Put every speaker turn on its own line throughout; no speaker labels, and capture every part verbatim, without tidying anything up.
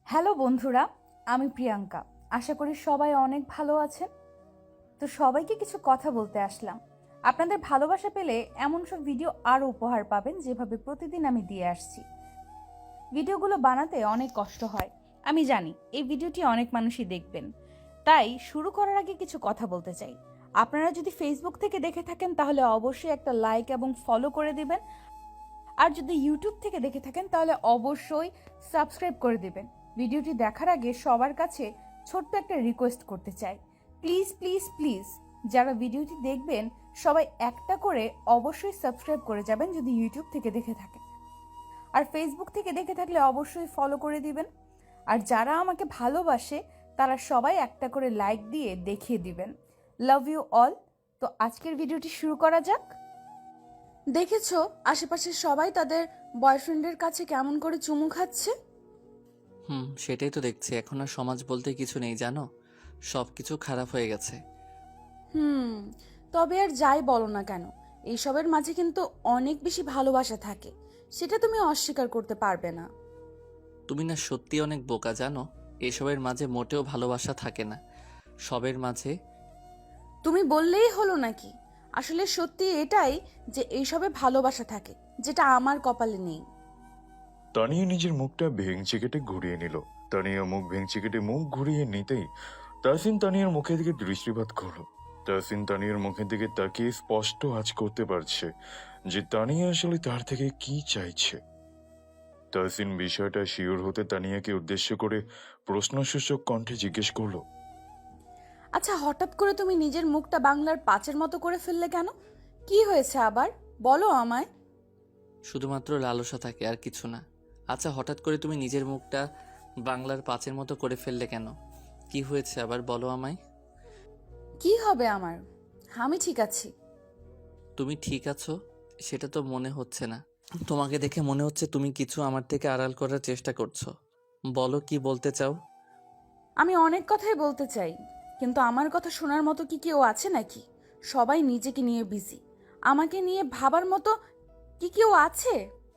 Hello বন্ধুরা, আমি প্রিয়াঙ্কা। আশা করি সবাই অনেক ভালো আছেন। তো সবাইকে কিছু কথা বলতে আসলাম। আপনাদের ভালোবাসা পেলে এমন সব ভিডিও আরও উপহার পাবেন, যেভাবে প্রতিদিন আমি দিয়ে আসছি। ভিডিওগুলো বানাতে অনেক কষ্ট হয়, আমি জানি। এই ভিডিওটি অনেক মানুষই দেখবেন, তাই শুরু করার আগে কিছু কথা বলতে চাই। আপনারা যদি ফেসবুক থেকে দেখে থাকেন তাহলে অবশ্যই একটা লাইক এবং ফলো করে দিবেন। আর যদি ইউটিউব থেকে দেখে থাকেন তাহলে অবশ্যই সাবস্ক্রাইব করে দেবেন। ভিডিওটি দেখার আগে সবার কাছে ছোট্ট একটা রিকোয়েস্ট করতে চাই, প্লিজ প্লিজ প্লিজ যারা ভিডিওটি দেখবেন সবাই একটা করে অবশ্যই সাবস্ক্রাইব করে যাবেন যদি ইউটিউব থেকে দেখে থাকেন। আর ফেসবুক থেকে দেখে থাকলে অবশ্যই ফলো করে দিবেন। আর যারা আমাকে ভালোবাসে তারা সবাই একটা করে লাইক দিয়ে দেখিয়ে দিবেন। Love you all. তো আজকের ভিডিওটি শুরু করা যাক। দেখেছো আশেপাশে সবাই তাদের বয়ফ্রেন্ডের কাছে কেমন করে চুমু খাচ্ছে?
হুম, সেটাই তো দেখছি। এখন আর সমাজ বলতে কিছু নেই, জানো, সব কিছু খারাপ হয়ে গেছে।
হুম, তবে আর যাই বলো না কেন, এইসবের মাঝে কিন্তু অনেক বেশি ভালোবাসা থাকে, সেটা তুমি অস্বীকার করতে পারবে না।
তুমি না সত্যি অনেক বোকা, জানো। এসবের মাঝে মোটেও ভালোবাসা থাকে না, সবের মাঝে।
তুমি বললেই হলো নাকি? আসলে সত্যি এটাই যে এইসবে ভালোবাসা থাকে, যেটা আমার কপালে নেই।
তানিয়া নিজের মুখটা ভেঙচি কেটে ঘুরিয়ে নিল। তানিয়া মুখ ভেঙচি কেটে মুখ ঘুরিয়ে নিতেই তাহসিন তানিয়ার মুখের দিকে দৃষ্টিপাত করলো। তাহসিন তানিয়ার মুখের দিকে তাকিয়ে স্পষ্ট আজ করতে পারছে যে তানিয়া আসলে তার থেকে কি চাইছে। তাহসিন বিষয়টা শিওর হতে তানিয়াকে উদ্দেশ্য করে প্রশ্নসূচক কণ্ঠে জিজ্ঞেস করলো,
আচ্ছা, হঠাৎ করে তুমি নিজের মুখটা বাংলার পাঁচের মতো করে ফেললে কেন? কি হয়েছে আবার, বলো আমায়।
শুধুমাত্র লালসা থাকে, আর কিছু না। আচ্ছা, হঠাৎ করে তুমি নিজের মুখটা বাংলার পাঁচের মতো করে ফেললে কেন? কি হয়েছে আবার, বলো আমায়।
কি হবে আমার? আমি ঠিক আছি।
তুমি ঠিক আছো সেটা তো মনে হচ্ছে না। তোমাকে দেখে মনে হচ্ছে তুমি কিছু আমার থেকে আড়াল করার চেষ্টা করছো। বলো, কি বলতে চাও?
আমি অনেক কথাই বলতে চাই, কিন্তু আমার কথা শোনার মতো কি কেউ আছে নাকি? সবাই নিজেকে নিয়ে বিজি, আমাকে নিয়ে ভাবার মতো কি কেউ আছে?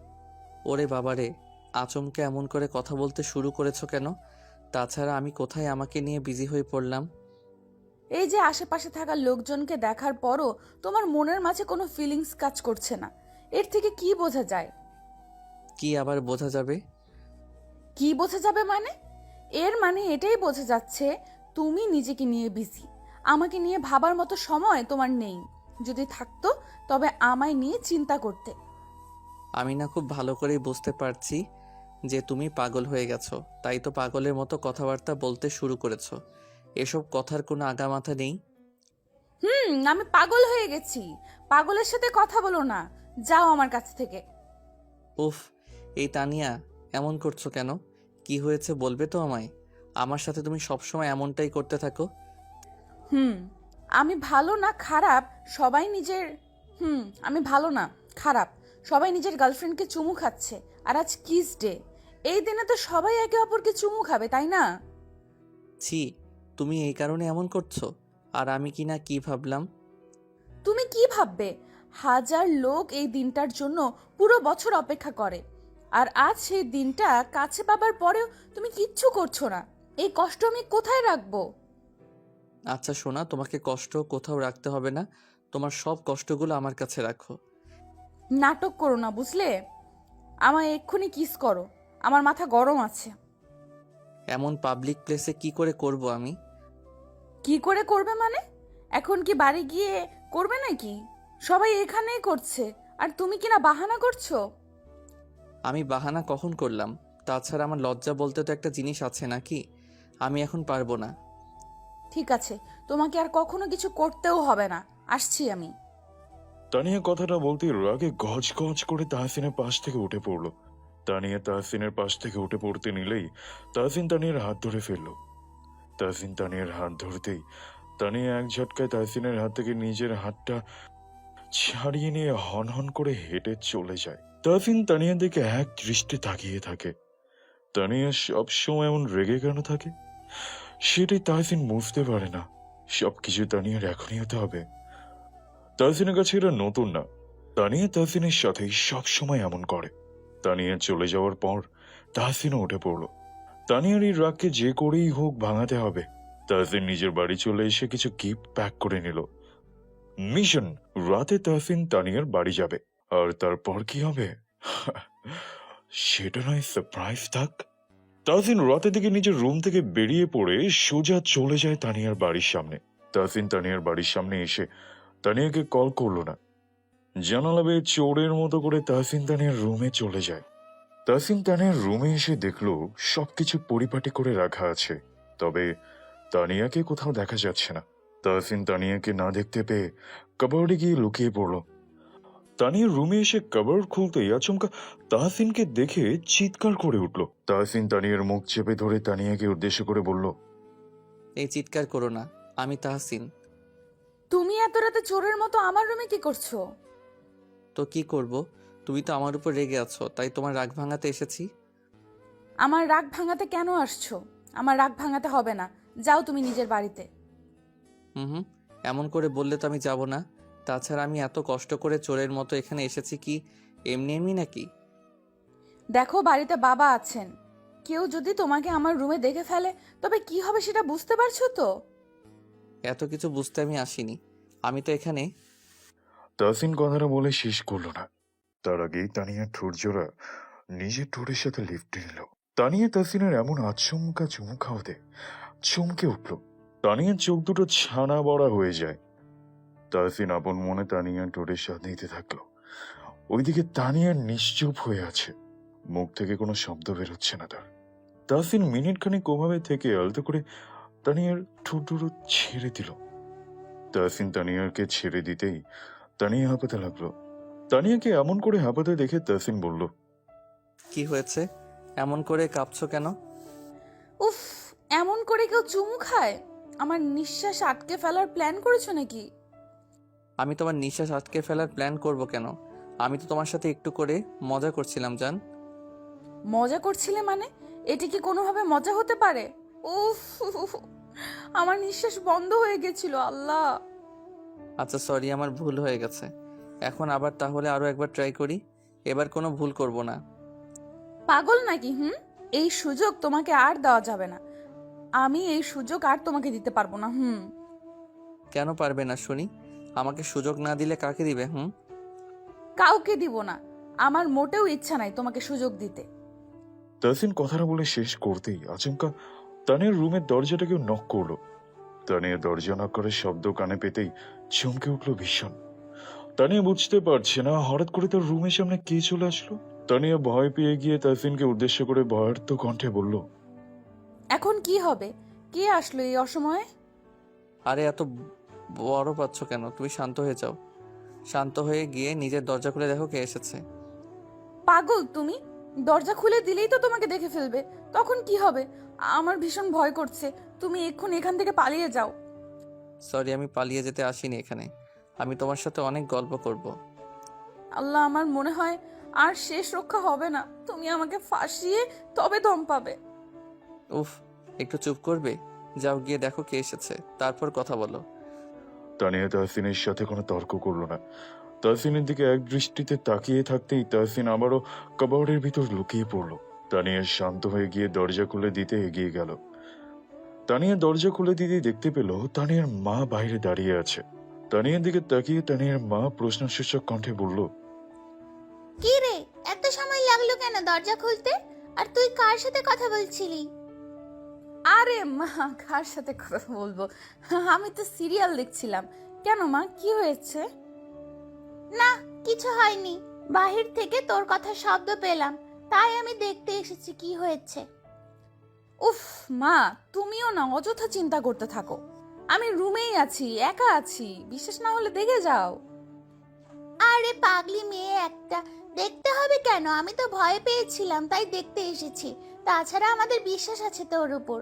ওরে বাবারে, আচমকে এমন করে কথা বলতে শুরু করেছো কেন? তাছাড়া আমি কোথায় আমাকে নিয়ে বিজি হয়ে পড়লাম?
এই যে আশেপাশে থাকা লোকজনকে দেখার পরও তোমার মনের মাঝে কোনো ফিলিংস কাজ করছে না, এর থেকে কি বোঝা যায়?
কি আবার বোঝা যাবে?
কি বোঝা যাবে মানে? এর মানে এটাই বোঝা যাচ্ছে তুমি নিজেকে নিয়ে বিজি, আমাকে নিয়ে ভাবার মতো সময় তোমার নেই। যদি থাকতো তবে আমায় নিয়ে চিন্তা করতে।
আমি না খুব ভালো করেই বুঝতে পারছি যে তুমি পাগল হয়ে গেছো, তাই তো পাগলের মতো কথাবার্তা বলতে শুরু করেছো। এসব কথার কোনো আগামাথা নেই।
হুম, আমি পাগল হয়ে গেছি। পাগলের সাথে কথা বলো না, যাও আমার কাছ থেকে।
উফ, এই তানিয়া, এমন করছো কেন? কি হয়েছে বলবে তো আমায়? আমার সাথে তুমি সবসময় এমনটাই করতে থাকো।
হুম, আমি ভালো না খারাপ সবাই নিজের হুম আমি ভালো না খারাপ সবাই নিজের গার্লফ্রেন্ডকে চুমু খাচ্ছে। আর আজ কিস ডে, এই দিনে তো সবাই একে অপরকে চুমু খাবে, তাই না?
ছি, তুমি এই কারণে এমন করছো? আর আমি কি না কি ভাবলাম।
তুমি কি ভাববে? হাজার লোক এই দিনটার জন্য পুরো বছর অপেক্ষা করে, আর আজ সেই দিনটা কাছে পাবার পরেও তুমি কিচ্ছু করছো না। এই কষ্ট আমি কোথায় রাখবো?
আচ্ছা শোনা, তোমাকে কষ্ট কোথাও রাখতে হবে না। তোমার সব কষ্টগুলো আমার কাছে রাখো।
নাটক করো না, বুঝলে? আমায় এক্ষুনি কিস করো, আমার মাথা গরম আছে।
এমন পাবলিক প্লেসে কি করে করব আমি?
কি করে করবে মানে? এখন কি বাড়ি গিয়ে করবে নাকি? সবাই এখানেই করছে, আর তুমি কিনা বাহানা করছো।
আমি বাহানা কখন করলাম? তাছাড়া আমার লজ্জা বলতে তো একটা জিনিস আছে নাকি? আমি এখন পারবো না।
ঠিক আছে, তোমাকে আর কখনো কিছু করতেও হবে না, আসছি আমি।
তানিয়া কথাটা বলতে রাগে গজ গজ করে তাহসিনের পাশ থেকে উঠে পড়লো। তানিয়া তাহসিনের পাশ থেকে উঠে পড়তে নিলেই তাহসিন তানিয়ার হাত ধরে ফেললো। তাহসিন তানিয়ার হাত ধরতেই তানিয়া এক ঝটকায় তাহসিনের হাত থেকে নিজের হাতটা ছাড়িয়ে নিয়ে হন হন করে হেঁটে চলে যায়। তাহসিন তানিয়ার দিকে এক দৃষ্টি তাকিয়ে থাকে। তানিয়া সবসময় এমন রেগে কেন থাকে সেটাই তাহসিন বুঝতে পারে না। সবকিছু তানিয়ার এখনই হতে হবে। তাহসিনের কাছে এটা নতুন না। তানিয়া তাহসিনের সাথে সব সময় এমন করে। তানিয়া চলে যাওয়ার পর তাহসিনও উঠে পড়ল। তানিয়ার এই রাগকে যে করেই হোক ভাঙাতে হবে। তাহসিন নিজের বাড়ি চলে এসে কিছু গিফট প্যাক করে নিল। মিশন, রাতে তাহসিন তানিয়ার বাড়ি যাবে। আর তারপর কি হবে সেটা নয় সারপ্রাইজ থাক। তাহসিন রাতে থেকে নিজের রুম থেকে বেরিয়ে পড়ে সোজা চলে যায় তানিয়ার বাড়ির সামনে। তাহসিন তানিয়ার বাড়ির সামনে এসে তানিয়াকে কল করলো না। জানালা বেয়ে চোরের মতো করে তাহসিন তানিয়ার রুমে চলে যায়। তাহসিন তানিয়ার রুমে এসে দেখলো সবকিছু পরিপাটি করে রাখা আছে, তবে তানিয়াকে কোথাও দেখা যাচ্ছে না। তাহসিন তানিয়াকে না দেখতে পেয়ে কাবার্ডে গিয়ে লুকিয়ে পড়ল। তানিয়ার রুমে এসে কাবার্ড খুলতেই আচমকা তাহসিনকে দেখে চিৎকার করে উঠল। তাহসিন তানিয়ার মুখ চেপে ধরে তানিয়াকে উদ্দেশ্য করে বলল,
এই চিৎকার করো না, আমি তাহসিন।
তুমি এত রাতে চোরের মতো আমার রুমে কি করছো?
তো কি করব, তুমি তো আমার উপর রেগে আছো, তাই তোমার রাগ ভাঙাতে এসেছি।
আমার রাগ ভাঙাতে কেন আসছো? আমার রাগ ভাঙাতে হবে না, যাও তুমি নিজের বাড়িতে।
হুম হুম এমন করে বললে তো আমি যাব না। তাছাড়া আমি এত কষ্ট করে চোরের মতো এখানে এসেছি কি এমনি এমনি নাকি?
দেখো, বাড়িতে বাবা আছেন, কেউ যদি তোমাকে আমার রুমে দেখে ফেলে তবে কি হবে সেটা বুঝতে পারছো তো?
এত কিছু বুঝতে আমি আসিনি, আমি তো এখানে।
তাহসিন কথাটা বলে শেষ করলো না, তার আগেই তানিয়া ঠোঁটজোড়া নিজের ঠোঁটের সাথে লিপটে নিল। তানিয়া তাহসিনের এমন আচমকা চুমু খাওয়াতে চমকে উঠল। তানিয়ার চোখ দুটো ছানা বড়া হয়ে যায়। তাহসিন আপন মনে তানিয়ার ঠোঁটের স্বাদ নিতে থাকলো। ওইদিকে তানিয়ার নিশ্চুপ হয়ে আছে, মুখ থেকে কোনো শব্দ বেরোচ্ছে না তার। তাহসিন মিনিট খানিক ওভাবে থেকে আলতো করে তানিয়ার ঠোঁট দুটো ছেড়ে দিল। তাহসিন তানিয়ারকে ছেড়ে দিতেই তানিয়া হাঁপাতে লাগলো। তানিয়াকে এমন করে হাঁপাতে দেখে তাহসিন বলল,
কি হয়েছে, এমন করে কাঁপছো কেন?
উফ, এমন করে কেউ চুমু খায়? আমার নিঃশ্বাস আটকে ফেলার প্ল্যান করেছো নাকি?
আমি তোমার নিঃশ্বাস আটকে ফেলার প্ল্যান করব কেন? আমি তো তোমার সাথে একটু করে মজা করছিলাম জান।
মজা করছিলে মানে? এটি কি কোনোভাবে মজা হতে পারে? উফ, আমার নিঃশ্বাস বন্ধ হয়ে গেছিল। আল্লাহ!
আচ্ছা সরি, আমার ভুল হয়ে গেছে। এখন আবার তাহলে আরো একবার ট্রাই করি, এবার কোনো ভুল করব না।
পাগল নাকি? হুম, এই সুযোগ তোমাকে আর দেওয়া যাবে না। আমি এই সুযোগ আর তোমাকে দিতে পারবো না। হুম।
কেন পারবে না শুনি? আমাকে সুযোগ না দিলে কাকে দিবে? হুম
কাউকে দিব না। আমার মোটেও ইচ্ছা নাই তোমাকে সুযোগ দিতে।
তাহসিন কথাটা বলে শেষ করতেই আচমকা তানিয়ার রুমের দরজাটা কেউ নক করলো। তানিয়া দরজা নক করে শব্দ কানে পেতেই চমকে উঠলো ভীষণ। তানিয়া বুঝতে পারছে না হঠাৎ করে তার রুমের সামনে কে চলে আসলো। তানিয়া ভয় পেয়ে গিয়ে তাহসিনকে উদ্দেশ্য করে ভয়ার্ত কণ্ঠে বলল,
এখন কি হবে? কে আসলো এই অসময়ে?
আরে এত বড় পাচ্ছ কেন? তুমি শান্ত হয়ে যাও। শান্ত হয়ে গিয়ে নিজের দরজা খুলে দেখো কে এসেছে।
পাগল তুমি? দরজা খুলে দিলেই তো তোমাকে দেখে ফেলবে, তখন কি হবে? আমার ভীষণ ভয় করছে। তুমি এক্ষুনি এখান থেকে পালিয়ে যাও।
সরি, আমি পালিয়ে যেতে আসিনি এখানে, আমি তোমার সাথে অনেক গল্প করব।
আল্লাহ, আমার মনে হয় আর শেষ রক্ষা হবে না। তুমি আমাকে ফাঁসিয়ে তবে দম পাবে।
উফ, একটু চুপ করবে? যাও গিয়ে দেখো কে এসেছে, তারপর কথা বলো।
তানিয়া তাহসিনের সাথে কোনো তর্ক করলো না। তাহসিনের দিকে এক দৃষ্টিতে তাকিয়ে থাকতেই তাহসিন আবারও কাবার্ডের ভিতর লুকিয়ে পড়ল। তানিয়া শান্ত হয়ে গিয়ে দরজা খুলে দিতে এগিয়ে গেল। তানিয়া দরজা খুলে দিতে দেখতে পেল তানিয়ার মা বাইরে দাঁড়িয়ে আছে। তানিয়ার দিকে তাকিয়ে তানিয়ার মা প্রশ্নসূচক কণ্ঠে বলল,
কি রে, এত সময় লাগলো কেন দরজা খুলতে? আর তুই কার সাথে কথা বলছিলি?
আরে মা, কার সাথে কথা বলবো? আমি তো সিরিয়াল দেখছিলাম। কেন মা, কি হয়েছে?
না, কিছু হয়নি। বাহির থেকে তোর কথা শব্দ পেলাম, তাই আমি দেখতে এসেছি কি হয়েছে।
উফ মা, তুমিও না অযথা চিন্তা করতে থাকো। আমি রুমেই আছি, একা আছি। বিশ্বাস না হলে দেখে যাও।
আরে পাগলি মেয়ে একটা, দেখতে হবে কেন? আমি তো ভয় পেয়েছিলাম তাই দেখতে এসেছি। তাছাড়া আমাদের বিশ্বাস আছে তোর উপর।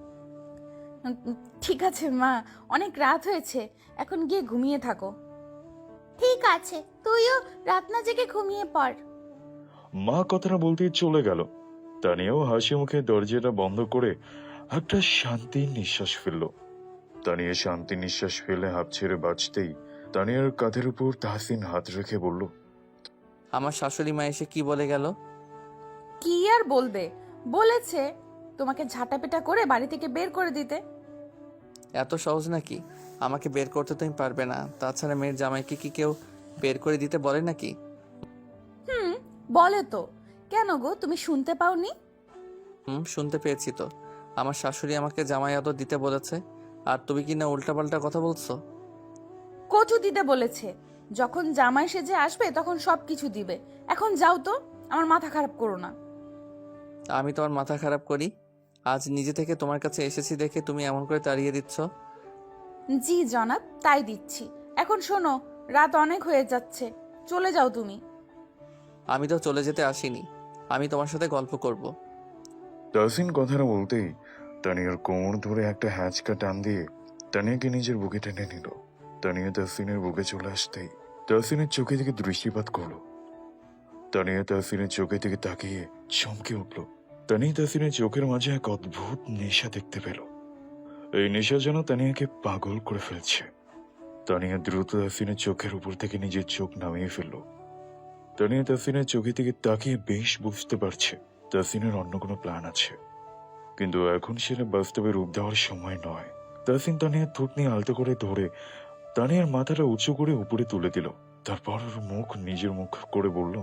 উম, উম, ঠিক আছে মা, অনেক রাত হয়েছে, এখন গিয়ে ঘুমিয়ে থাকো।
ঠিক আছে, তুইও রাত না জেগে ঘুমিয়ে পড়।
মা কথাটা বলতেই চলে গেল। তানিয়াও হাসি মুখে দরজাটা বন্ধ করে একটা শান্তির নিঃশ্বাস ফেলল। তানিয়া শান্তি নিঃশ্বাস ফেলে হাঁপ ছেড়ে বাঁচতেই তানিয়ার কাঁধের উপর তাহসিন হাত রেখে বলল,
আমার শাশুড়ি মা এসে কি বলে গেল?
কি আর বলবে? বলেছে তোমাকে ঝাঁটাপেটা করে বাড়ি থেকে বের করে দিতে।
এত সহজ নাকি? আমাকে বের করতে তুমি পারবে না। তাছাড়া মেয়ের জামাইকে কি কেউ বের করে দিতে বলে নাকি?
হুম, বলে তো। কেন গো, তুমি শুনতে পাওনি?
হুম, শুনতে পেয়েছি তো। আমার শাশুড়ি আমাকে জামাই আদর দিতে বলেছে, আর তুমি কি না উল্টাপাল্টা কথা বলছো?
কচু দিতে বলেছে। যখন জামাই সেজে আসবে তখন সব কিছু দিবে। এখন যাও তো, আমার মাথা খারাপ করো না।
আমি তোমার মাথা খারাপ করি? আজ নিজে থেকে তোমার কাছে এসেছি দেখে তুমি এমন করে তাড়িয়ে দিচ্ছ?
জি জনাব, তাই দিচ্ছি। এখন শোনো, রাত অনেক হয়ে যাচ্ছে, চলে যাও তুমি।
আমি তো চলে যেতে আসিনি, আমি তোমার সাথে গল্প করব।
তাহসিন কথাটা বলতেই তানিয়ার কোমর ধরে একটা হ্যাচকা টান দিয়ে তানিয়াকে নিজের বুকে টেনে নিল। তানিয়া তাহসিনের বুকে চলে আসতেই তাহসিনের চোখে দিকে দৃষ্টিপাত করলো। তানিয়া তাহসিনের চোখে দিকে তাকিয়ে চমকে উঠল। তানিয়া তাহসিনের চোখের মাঝে এক অদ্ভুত নেশা দেখতে পেল। এই নেশা যেন তানিয়াকে পাগল করে ফেলছে। তানিয়া দ্রুত তাহসিনের চোখের উপর থেকে নিজের চোখ নামিয়ে ফেলল। তানিয়া তাহসিনের চোখের দিকে তাকিয়ে বেশ বুঝতে পারছে তাহসিনের অন্য কোনো প্ল্যান আছে, কিন্তু এখন সেটা বাস্তবে রূপ দেওয়ার সময় নয়। তাহসিন তানিয়ার থুতনি আলতো করে ধরে তানিয়ার মাথাটা উঁচু করে উপরে তুলে দিল। তারপর ওর মুখ নিজের মুখ করে বলল,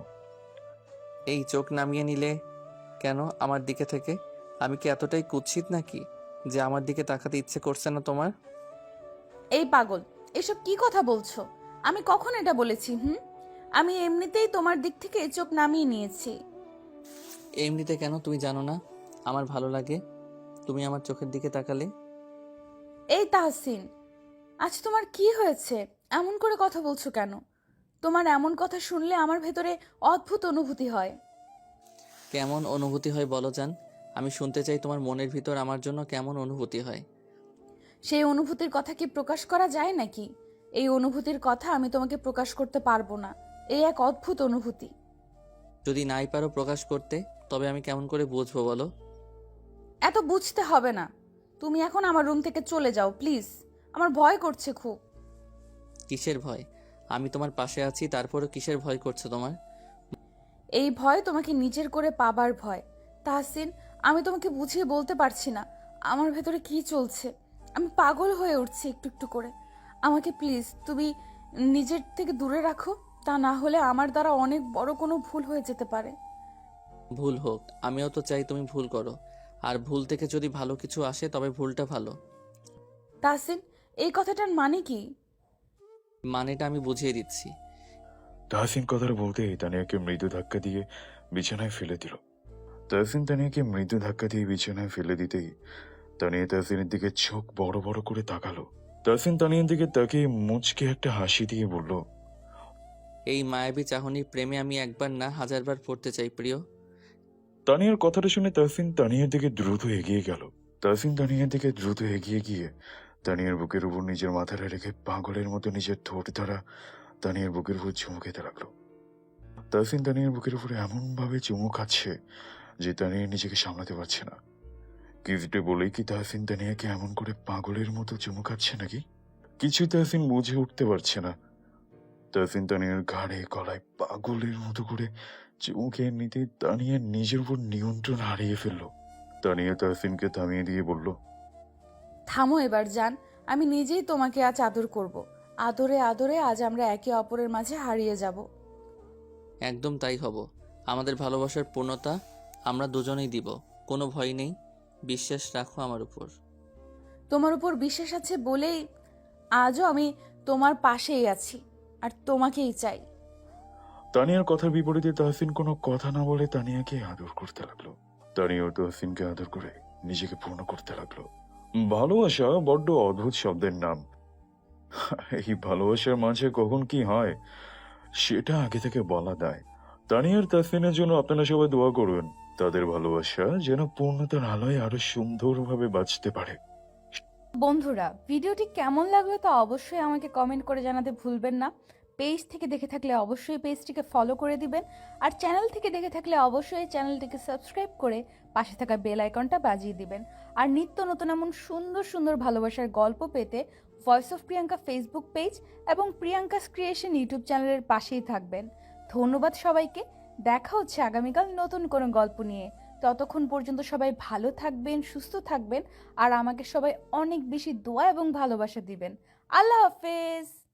এই চোখ নামিয়ে নিলে কেন আমার দিকে থেকে? আমি কি এতটাই কুৎসিত নাকি যে আমার দিকে তাকাতে ইচ্ছে করছে না তোমার?
এই পাগল, এসব কি কথা বলছো? আমি কখন এটা বলেছি? হুম, আমি এমনিতেই তোমার দিক থেকে চোখ নামিয়ে নিয়েছি।
এমনিতে কেন, তুমি জানো না আমার ভালো লাগে তুমি আমার চোখের দিকে তাকালে?
এই তাহসিন, আজ তোমার কি হয়েছে? এমন করে কথা বলছো কেন? তোমার এমন কথা শুনলে আমার ভেতরে অদ্ভুত অনুভূতি হয়।
কেমন অনুভূতি হয় বলো জান? আমি শুনতে চাই তোমার মনের ভিতর আমার জন্য কেমন অনুভূতি হয়।
সেই অনুভূতির কথা কি প্রকাশ করা যায় নাকি? এই অনুভূতির কথা আমি তোমাকে প্রকাশ করতে পারবো না। এই এক অদ্ভুত অনুভূতি।
যদি নাই পারো প্রকাশ করতে, তবে আমি কেমন করে বুঝবো বলো?
এত বুঝতে হবে না। তুমি এখন আমার রুম থেকে চলে যাও প্লিজ। আমার ভয় করছে খুব।
কিসের ভয়? আমি তোমার পাশে আছি, তারপরও কিসের ভয় করছে তোমার?
এই ভয় তোমাকে নিজের করে পাবার ভয়। তাহসিন, আমি তোমাকে বুঝিয়ে বলতে পারছি না আমার ভেতরে কি চলছে। আমি পাগল হয়ে উঠছি একটু একটু করে। আমাকে প্লিজ তুমি নিজের থেকে দূরে রাখো, তা না হলে আমার দ্বারা অনেক বড় কোনো ভুল হয়ে যেতে পারে।
ভুল হোক, আমিও তো চাই তুমি ভুল করো, আর ভুল থেকে যদি ভালো কিছু আসে তবে ভুলটা ভালো।
তাহসিন, এই কথাটার মানে কি?
মানেটা আমি বুঝিয়ে দিচ্ছি।
তাহসিন কথাটা বলতেই তানিয়াকে মৃদু ধাক্কা দিয়ে বিছানায় ফেলে দিল। তাহসিন তানিয়াকে মৃদু ধাক্কা দিয়ে বিছানায় ফেলে দিতেই তানিয়া তাহসিনের দিকে চোখ বড় বড় করে তাকালো। তাহসিন তানিয়ার দিকে তাকিয়ে মুচকে একটা হাসি দিয়ে বলল,
এই মায়াবী চাহনির প্রেমে আমি একবার না হাজারবার পড়তে চাই প্রিয়।
তানিয়ার কথাটা শুনে তাহসিন তানিয়ার দিকে দ্রুত এগিয়ে গেল। তাহসিন তানিয়ার দিকে দ্রুত এগিয়ে গিয়ে তানিয়ার বুকের উপর নিজের মাথাটা রেখে পাগলের মতো নিজের ঠোঁট দ্বারা তানিয়ার বুকের উপর চুমু খেতে লাগলো। তাহসিন তানিয়ার বুকের উপরে এমন ভাবে চুমু খাচ্ছে যে তানিয়া নিজেকে সামলাতে পারছে না। কিসডে বলেই কি তাহসিন তানিয়াকে এমন করে পাগলের মতো চুমু খাচ্ছে নাকি? কিছু তাহসিন বুঝে উঠতে পারছে না। তাহসিন তানিয়ার ঘাড়ে গলায় পাগলের মতো করে চুমু খেয়ে নিতে তানিয়া নিজের উপর নিয়ন্ত্রণ হারিয়ে ফেলল। তানিয়া তাহসিনকে থামিয়ে দিয়ে বলল,
থামো এবার জান, আমি নিজেই তোমাকে আজ আদর করব। আদরে আদরে আজ আমরা একে অপরের মাঝে হারিয়ে যাব।
একদম তাই হব। আমাদের ভালোবাসার পূর্ণতা আমরা দুজনেই দিব, কোনো ভয় নেই। বিশ্বাস রাখো আমার উপর।
তোমার উপর বিশ্বাস আছে বলেই আজও আমি তোমার পাশেই আছি, আর তোমাকেই চাই।
তানিয়ার কথার বিপরীতে তাহসিন কোনো কথা না বলে তানিয়াকে আদর করতে লাগলো। তানিয়াও তাহসিনকে আদর করে নিজেকে পূর্ণ করতে লাগলো। ভালোবাসা বড্ড অদ্ভুত শব্দের নাম। এই ভালোবাসার মাঝে কখন কি হয় সেটা আগে থেকে বলা দেয়। তানিয়ার তাহসিনের জন্য আপনারা সবাই দোয়া করবেন, তাদের ভালোবাসা যেন পূর্ণতার আলোয় আরো সুন্দরভাবে বাঁচতে পারে।
বন্ধুরা, ভিডিওটি কেমন লাগলো তা অবশ্যই আমাকে কমেন্ট করে জানাতে ভুলবেন না। পেজ থেকে দেখে থাকলে অবশ্যই পেজটিকে ফলো করে দিবেন, আর চ্যানেল থেকে দেখে থাকলে অবশ্যই চ্যানেলটিকে সাবস্ক্রাইব করে পাশে থাকা বেল আইকনটা বাজিয়ে দিবেন। আর নিত্য নতুন এমন সুন্দর সুন্দর ভালোবাসার গল্প পেতে voice of Priyanka Facebook page এবং প্রিয়াঙ্কাস ক্রিয়েশন ইউটিউব চ্যানেলের পাশেই থাকবেন। ধন্যবাদ সবাইকে। দেখা হচ্ছে আগামীকাল নতুন কোনো গল্প নিয়ে। ততক্ষণ পর্যন্ত সবাই ভালো থাকবেন, সুস্থ থাকবেন, আর আমাকে সবাই অনেক বেশি দোয়া এবং ভালোবাসা দিবেন। আল্লাহ হাফেজ।